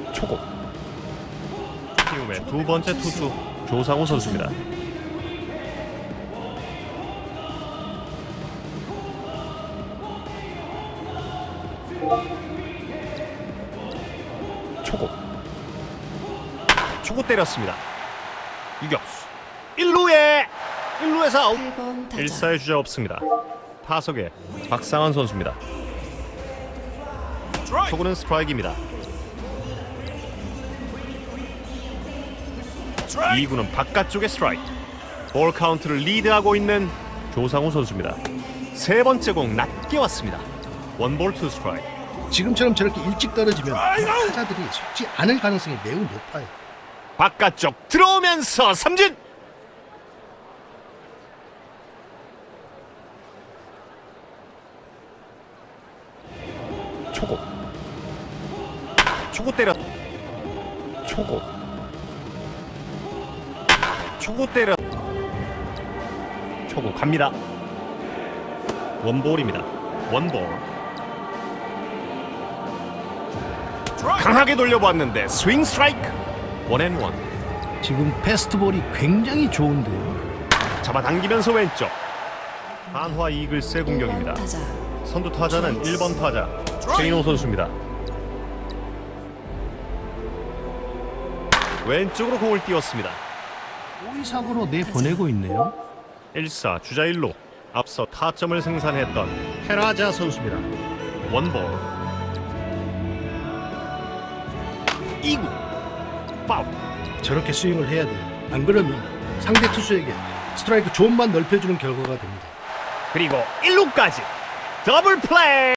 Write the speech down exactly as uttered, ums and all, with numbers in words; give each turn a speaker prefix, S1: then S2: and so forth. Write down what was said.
S1: 초고. 키움의 두 번째 투수 조상우 선수입니다. 초고. 초고 때렸습니다. 유격수 일 루에 일 루에서 아웃.
S2: 팔 번 타자
S1: 일 사의 주자 없습니다. 타석에 박상환 선수입니다. 초구는 스트라이크입니다. 이 구는 바깥쪽의 스트라이크. 볼 카운트를 리드하고 있는 조상우 선수입니다. 세 번째 공 낮게 왔습니다. 원볼 투 스트라이크.
S3: 지금처럼 저렇게 일찍 떨어지면 타자들이 속지 않을 가능성이 매우 높아요.
S1: 바깥쪽 들어오면서 삼진. 초고. 초고 때렸. 초고. 초고 때렸. 초고 갑니다. 원볼입니다. 원볼. 강하게 돌려보았는데 스윙 스트라이크. 원앤원.
S3: 지금 패스트볼이 굉장히 좋은데요.
S1: 잡아당기면서 왼쪽. 한화 이글스의
S2: 일 번
S1: 공격입니다.
S2: 타자
S1: 선두 타자는 일 번 타자 최인호 선수입니다. 왼쪽으로 공을 띄웠습니다.
S3: 오이삭으로 내보내고 있네요.
S1: 일 사 주자 일 루. 앞서 타점을 생산했던 헤라자 선수입니다. 원볼. 이 구 파울.
S3: 저렇게 스윙을 해야 돼요. 안 그러면 상대 투수에게 스트라이크 존만 넓혀주는 결과가 됩니다.
S1: 그리고 일 루까지 더블 플레이.